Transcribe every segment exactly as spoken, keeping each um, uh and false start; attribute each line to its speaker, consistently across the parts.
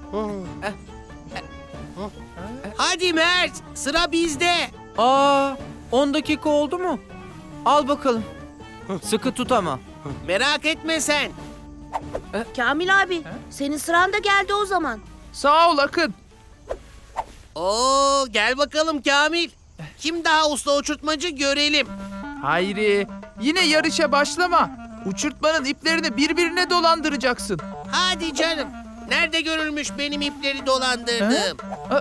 Speaker 1: Hadi Mert, sıra bizde.
Speaker 2: Aa, on dakika oldu mu? Al bakalım. Sıkı tut ama.
Speaker 1: Merak etme sen.
Speaker 3: Kamil abi, senin sıran da geldi o zaman.
Speaker 4: Sağ ol Akın.
Speaker 1: Oo, gel bakalım Kamil. Kim daha usta uçurtmacı görelim.
Speaker 4: Hayri, yine yarışa başlama. Uçurtmanın iplerini birbirine dolandıracaksın.
Speaker 1: Hadi canım. Nerede görülmüş benim ipleri dolandırdığım?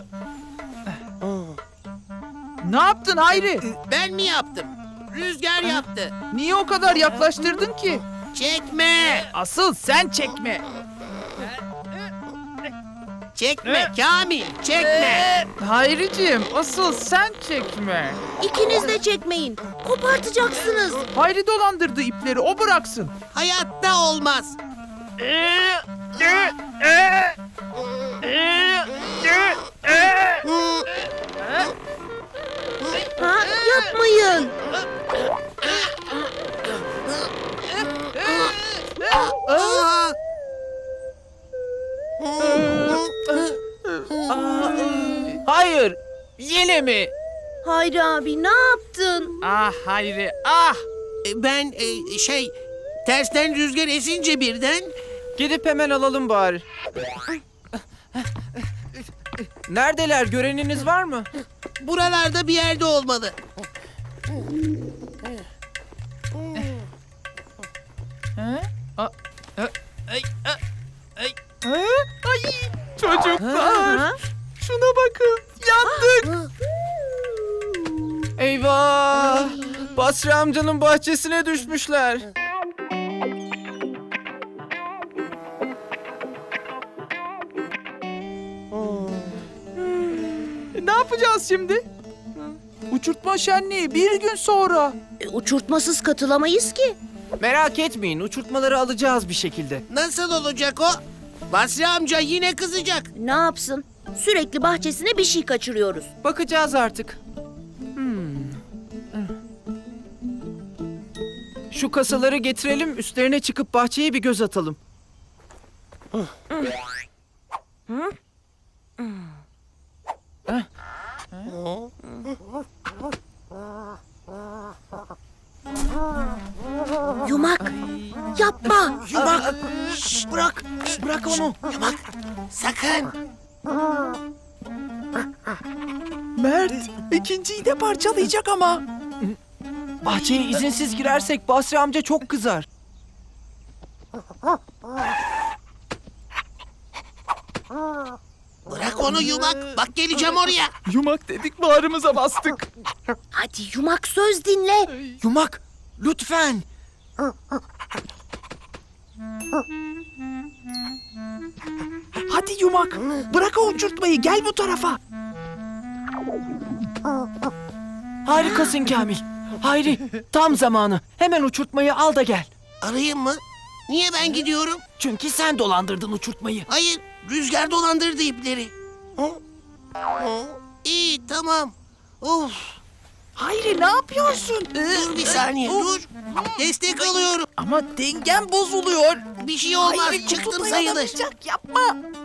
Speaker 4: Ne yaptın Hayri?
Speaker 1: Ben mi yaptım? Rüzgar yaptı.
Speaker 4: Niye o kadar yaklaştırdın ki?
Speaker 1: Çekme.
Speaker 4: Asıl sen çekme.
Speaker 1: Çekme Kamil, çekme.
Speaker 4: Hayriciğim, asıl sen çekme.
Speaker 3: İkiniz de çekmeyin. Kopartacaksınız.
Speaker 4: Hayri dolandırdı ipleri, o bıraksın.
Speaker 1: Hayatta olmaz.
Speaker 3: Ha, yapmayın.
Speaker 1: Aa!
Speaker 2: Hayır, yine mi?
Speaker 3: Hayri abi ne yaptın?
Speaker 4: Ah Hayri, ah!
Speaker 1: Ben e, şey tersten rüzgar esince birden
Speaker 2: Gidip hemen alalım bari. Neredeler? Göreniniz var mı?
Speaker 1: buralarda bir yerde olmalı.
Speaker 4: Ha? A-
Speaker 2: Ay, ay, ay.
Speaker 4: Ha? Ay, çocuklar,
Speaker 3: Ha?
Speaker 4: şuna bakın, yandık.
Speaker 2: Eyvah! Basri amcanın bahçesine düşmüşler.
Speaker 4: E, ne yapacağız şimdi? Uçurtma şenliği bir gün sonra.
Speaker 3: E, uçurtmasız katılamayız ki.
Speaker 2: Merak etmeyin, uçurtmaları alacağız bir şekilde.
Speaker 1: Nasıl olacak o? Basri amca yine kızacak.
Speaker 3: Ne yapsın? Sürekli bahçesine bir şey kaçırıyoruz.
Speaker 2: Bakacağız artık. Hmm. Şu kasaları getirelim, üstlerine çıkıp bahçeye bir göz atalım.
Speaker 3: Yumak, yapma.
Speaker 1: Yumak. Şşş, bırak. Bırak onu. Yumak. Sakın.
Speaker 4: Mert, ikinciyi de parçalayacak ama.
Speaker 2: Bahçeye izinsiz girersek Basri amca çok kızar.
Speaker 1: Bırak onu Yumak. Bak geleceğim oraya.
Speaker 4: Yumak dedik, bağrımıza bastık.
Speaker 3: Hadi Yumak söz dinle.
Speaker 2: Yumak, lütfen.
Speaker 4: Hadi Yumak, bırak o uçurtmayı, gel bu tarafa.
Speaker 2: Harikasın Kamil. Hayri, tam zamanı. Hemen uçurtmayı al da gel.
Speaker 1: Arayayım mı? Niye ben gidiyorum?
Speaker 2: Çünkü sen dolandırdın uçurtmayı.
Speaker 1: Hayır. Rüzgar dolandırdı ipleri. Hı? Hı? İyi tamam. Of.
Speaker 4: Hayri, ne yapıyorsun?
Speaker 1: Dur bir saniye dur. Destek alıyorum.
Speaker 4: Ama dengen bozuluyor.
Speaker 1: Bir şey olmaz.
Speaker 4: Hayri,
Speaker 1: Çıktım
Speaker 4: kutuda
Speaker 1: sayılır.
Speaker 4: yanamayacak, yapma.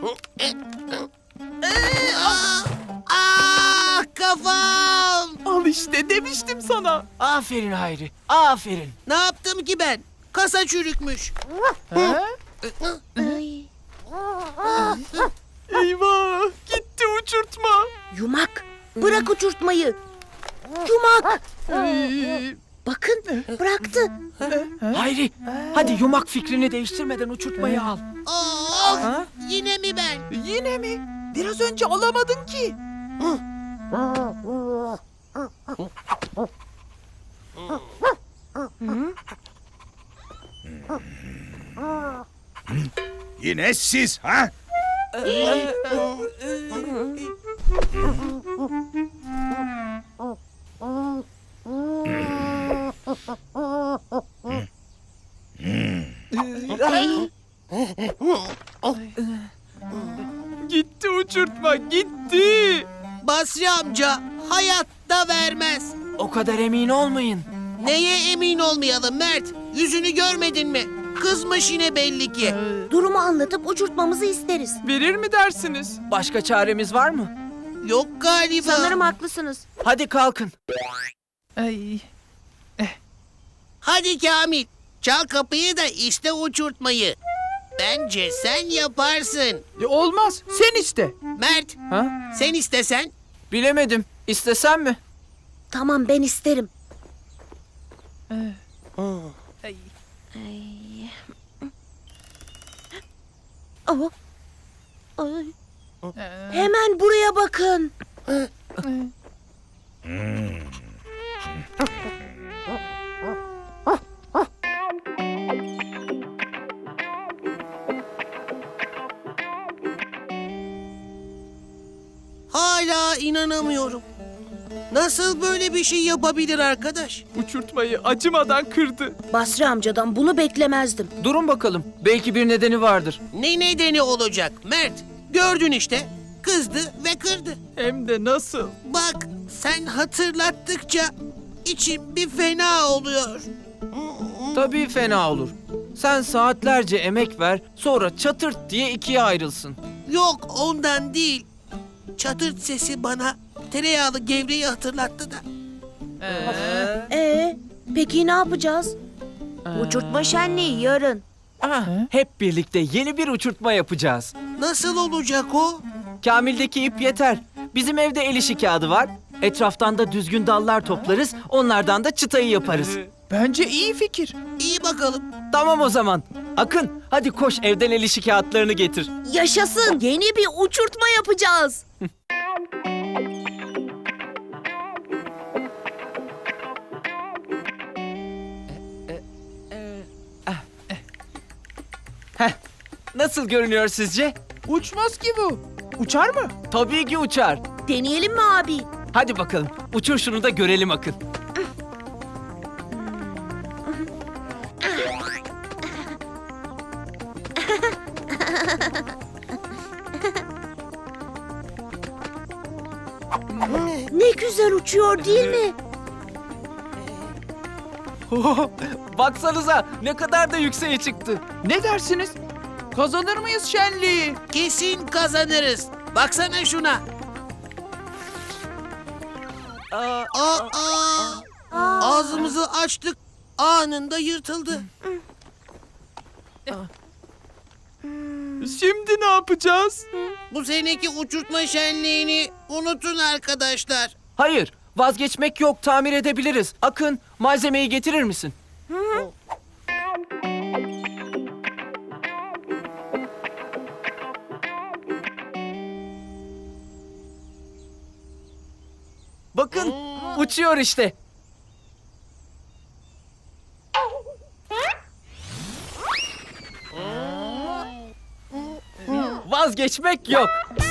Speaker 1: Aa, aa, kafam.
Speaker 4: Al işte, demiştim sana.
Speaker 2: Aferin Hayri, aferin.
Speaker 1: Ne yaptım ki ben? Kasa çürükmüş.
Speaker 4: Ha?
Speaker 3: Ay.
Speaker 4: Eyvah, gitti uçurtma.
Speaker 3: Yumak, bırak uçurtmayı. Yumak,
Speaker 4: Ay,
Speaker 3: bakın bıraktı.
Speaker 2: Hayri, hadi yumak fikrini değiştirmeden uçurtmayı al.
Speaker 1: Of,
Speaker 2: Ha?
Speaker 1: yine mi ben?
Speaker 4: yine mi? Biraz önce alamadın ki.
Speaker 5: Yine siz ha?
Speaker 4: Gitti uçurtma, gitti.
Speaker 1: Basri amca hayatta vermez.
Speaker 2: O kadar emin olmayın.
Speaker 1: Neye emin olmayalım Mert? Yüzünü görmedin mi? Kızmış yine belli ki.
Speaker 3: Durumu anlatıp uçurtmamızı isteriz.
Speaker 4: Verir mi dersiniz?
Speaker 2: Başka çaremiz var mı?
Speaker 1: Yok galiba.
Speaker 3: Sanırım haklısınız.
Speaker 2: Hadi kalkın.
Speaker 4: Ay.
Speaker 1: Hadi Kamil, çal kapıyı da iste uçurtmayı. Bence sen yaparsın.
Speaker 4: E, olmaz. Sen iste.
Speaker 1: Mert,
Speaker 4: Ha?
Speaker 1: sen istesen.
Speaker 2: Bilemedim. İstesem mi?
Speaker 3: Tamam ben isterim.
Speaker 4: Ay.
Speaker 3: Ay. Oh. Ay. Hemen buraya bakın.
Speaker 1: Hala inanamıyorum. Nasıl böyle bir şey yapabilir arkadaş?
Speaker 4: Uçurtmayı acımadan kırdı.
Speaker 3: Basri amcadan bunu beklemezdim.
Speaker 2: Durun bakalım. Belki bir nedeni vardır.
Speaker 1: Ne nedeni olacak Mert? Gördün işte. Kızdı ve kırdı.
Speaker 4: Hem de nasıl?
Speaker 1: Bak sen hatırlattıkça içim bir fena oluyor.
Speaker 2: Tabii fena olur. Sen saatlerce emek ver, sonra çatırt diye ikiye ayrılsın.
Speaker 1: Yok ondan değil. Çatırt sesi bana tereyağlı gevreği hatırlattı da.
Speaker 3: Ee, peki ne yapacağız? Uçurtma şenliği yarın.
Speaker 2: Ah, hep birlikte yeni bir uçurtma yapacağız.
Speaker 1: Nasıl olacak o?
Speaker 2: Kamil'deki ip yeter. Bizim evde el işi kağıdı var. Etraftan da düzgün dallar toplarız, onlardan da çıtayı yaparız.
Speaker 4: Bence iyi fikir.
Speaker 1: İyi bakalım.
Speaker 2: Tamam o zaman. Akın, hadi koş evden el işi kağıtlarını getir.
Speaker 3: Yaşasın. Yeni bir uçurtma yapacağız.
Speaker 2: Heh, nasıl görünüyor sizce?
Speaker 4: Uçmaz ki bu. Uçar mı?
Speaker 2: Tabii ki uçar.
Speaker 3: Deneyelim mi abi?
Speaker 2: Hadi bakalım, uçur şunu da görelim Akın.
Speaker 3: Ne güzel uçuyor değil mi?
Speaker 2: Baksanıza ne kadar da yükseğe çıktı.
Speaker 4: Ne dersiniz? Kazanır mıyız şenliği?
Speaker 1: Kesin kazanırız. Baksana şuna.
Speaker 2: Aa,
Speaker 1: Aa, ağzımızı açtık. Anında yırtıldı.
Speaker 4: Şimdi ne yapacağız?
Speaker 1: Bu seneki uçurtma şenliğini unutun arkadaşlar.
Speaker 2: hayır, vazgeçmek yok, tamir edebiliriz. Akın, malzemeyi getirir misin? Bakın, uçuyor işte. Vazgeçmek yok.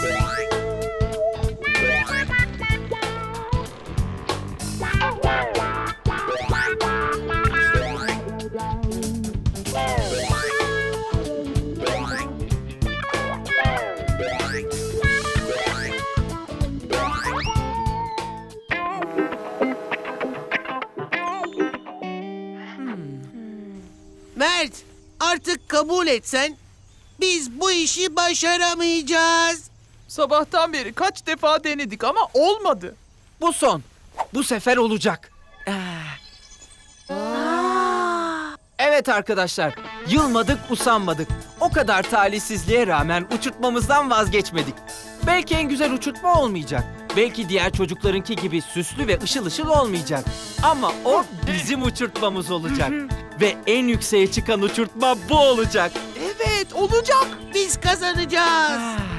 Speaker 1: Mert, artık kabul etsen biz bu işi başaramayacağız.
Speaker 4: Sabahtan beri kaç defa denedik ama olmadı.
Speaker 2: Bu son. Bu sefer olacak. Ah. Evet arkadaşlar, yılmadık, usanmadık. O kadar talihsizliğe rağmen uçurtmamızdan vazgeçmedik. Belki en güzel uçurtma olmayacak. Belki diğer çocuklarınki gibi süslü ve ışıl ışıl olmayacak. Ama o bizim uçurtmamız olacak. Ve en yükseğe çıkan uçurtma bu olacak.
Speaker 4: Evet, olacak.
Speaker 1: Biz kazanacağız.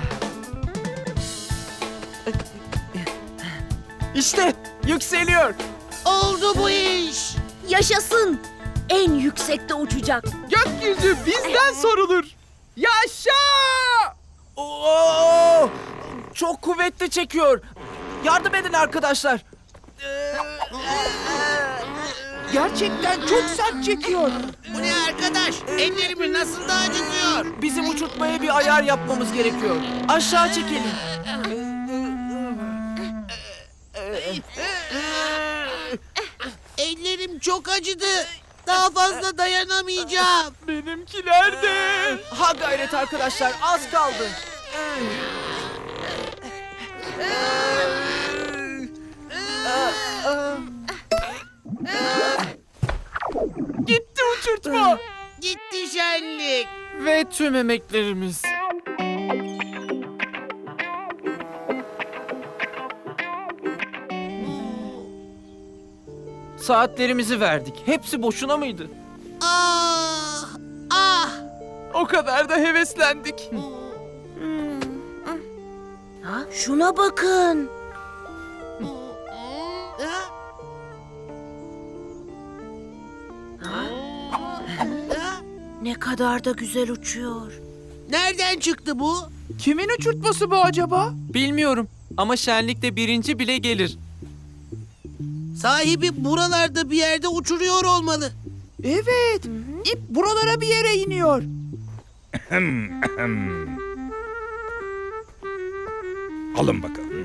Speaker 2: İşte yükseliyor.
Speaker 1: Oldu bu iş.
Speaker 3: Yaşasın. En yüksekte uçacak.
Speaker 4: Gökyüzü bizden sorulur. Yaşa!
Speaker 2: Oo! Çok kuvvetli çekiyor. Yardım edin arkadaşlar.
Speaker 4: Gerçekten çok sert çekiyor.
Speaker 1: Bu ne arkadaş? Ellerimi nasıl da acıtıyor.
Speaker 2: Bizim uçurtmaya bir ayar yapmamız gerekiyor. Aşağı çekelim.
Speaker 1: Ellerim çok acıdı. Daha fazla dayanamayacağım.
Speaker 4: Benimkiler de.
Speaker 2: Ha gayret arkadaşlar, az kaldı.
Speaker 4: Gitti uçurtma.
Speaker 1: Gitti şenlik.
Speaker 2: Ve tüm emeklerimiz. Saatlerimizi verdik. Hepsi boşuna mıydı?
Speaker 1: Ah! Ah!
Speaker 4: O kadar da heveslendik.
Speaker 3: Ha, şuna bakın.
Speaker 1: Ha?
Speaker 3: Ha,
Speaker 1: Ha?
Speaker 3: ne kadar da güzel uçuyor.
Speaker 1: Nereden çıktı bu?
Speaker 4: Kimin uçurtması bu acaba?
Speaker 2: Bilmiyorum ama şenlikte birinci bile gelir.
Speaker 1: Sahibi buralarda bir yerde uçuruyor olmalı.
Speaker 4: Evet. İp buralara bir yere iniyor.
Speaker 5: Alın bakalım.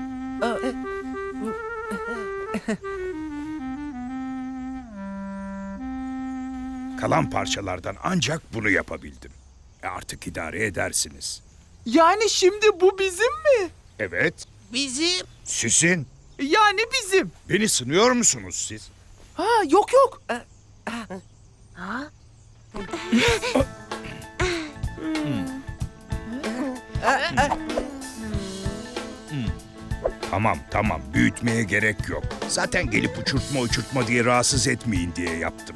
Speaker 5: Kalan parçalardan ancak bunu yapabildim. E artık idare edersiniz.
Speaker 4: Yani şimdi bu bizim mi?
Speaker 5: Evet,
Speaker 1: Bizim
Speaker 5: sizin.
Speaker 4: Yani bizim.
Speaker 5: Beni sınıyor musunuz siz?
Speaker 4: Ha yok yok.
Speaker 3: Ha?
Speaker 5: Tamam tamam, büyütmeye gerek yok. Zaten gelip uçurtma uçurtma diye rahatsız etmeyin diye yaptım.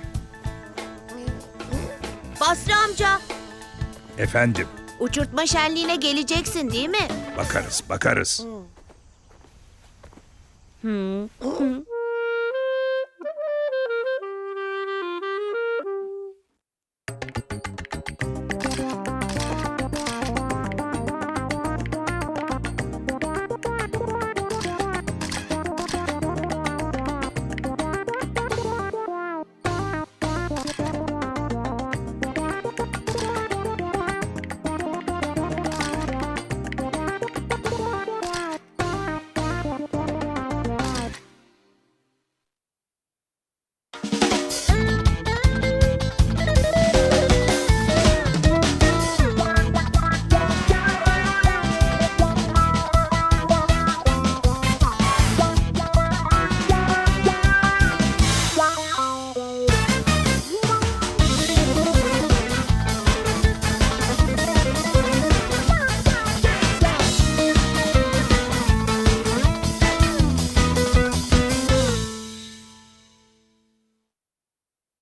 Speaker 3: Basri amca,
Speaker 5: Efendim,
Speaker 3: uçurtma şenliğine geleceksin değil mi?
Speaker 5: bakarız bakarız.